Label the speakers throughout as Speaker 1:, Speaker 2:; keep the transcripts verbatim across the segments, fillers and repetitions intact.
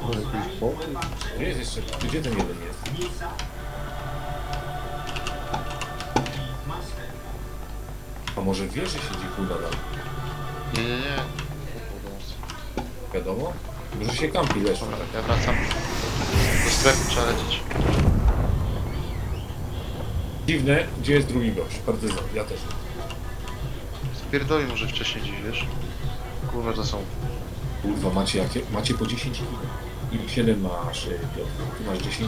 Speaker 1: jakiś pokój.
Speaker 2: Gdzie jest jeszcze? Gdzie ten jeden jest? A może w wieży siedzi chuj nadal?
Speaker 3: Nie, nie, nie.
Speaker 2: Wiadomo? Może się kampi leży.
Speaker 3: Dobra, ja wracam. Do strefy trzeba lecieć.
Speaker 2: Dziwne, gdzie jest drugi gość? Partyzan, ja też.
Speaker 3: Spierdoli może wcześniej dziś, wiesz? Kurwa, to są...
Speaker 2: Kurwa, macie jakie? Macie po dziesięć kilo. I siedem masz, y, Piotr. Ty masz dziesięć.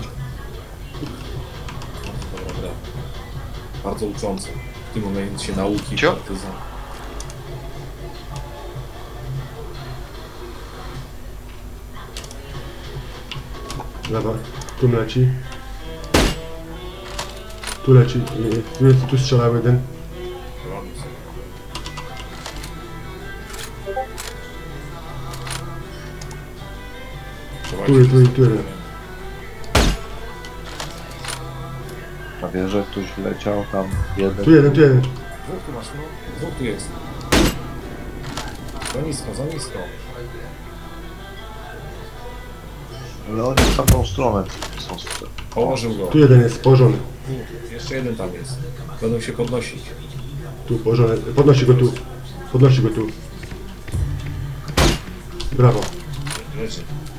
Speaker 2: Bardzo dobra gra. Bardzo uczące. W tym momencie się nauki
Speaker 3: Cio?
Speaker 2: partyzan.
Speaker 1: Dobra, tu leci. Tu leci. Tu, jest, tu strzelał jeden.
Speaker 2: Robię sobie. Trzeba
Speaker 1: Tu,
Speaker 2: się
Speaker 1: tu, tu jeden.
Speaker 4: Na wieżę ktoś wleciał, tam jeden.
Speaker 1: Tu jeden, tu jeden.
Speaker 2: Dwóch tu masz, no. Dwóch tu jest. Za nisko, za nisko.
Speaker 4: Ale oni w tamtą stronę są super.
Speaker 2: Położył go.
Speaker 1: Tu jeden jest położony.
Speaker 2: Tu, jeszcze jeden tam jest. Będą się podnosić.
Speaker 1: Tu położony. Podnosi go tu. Podnosi go tu. Brawo.
Speaker 2: Leży.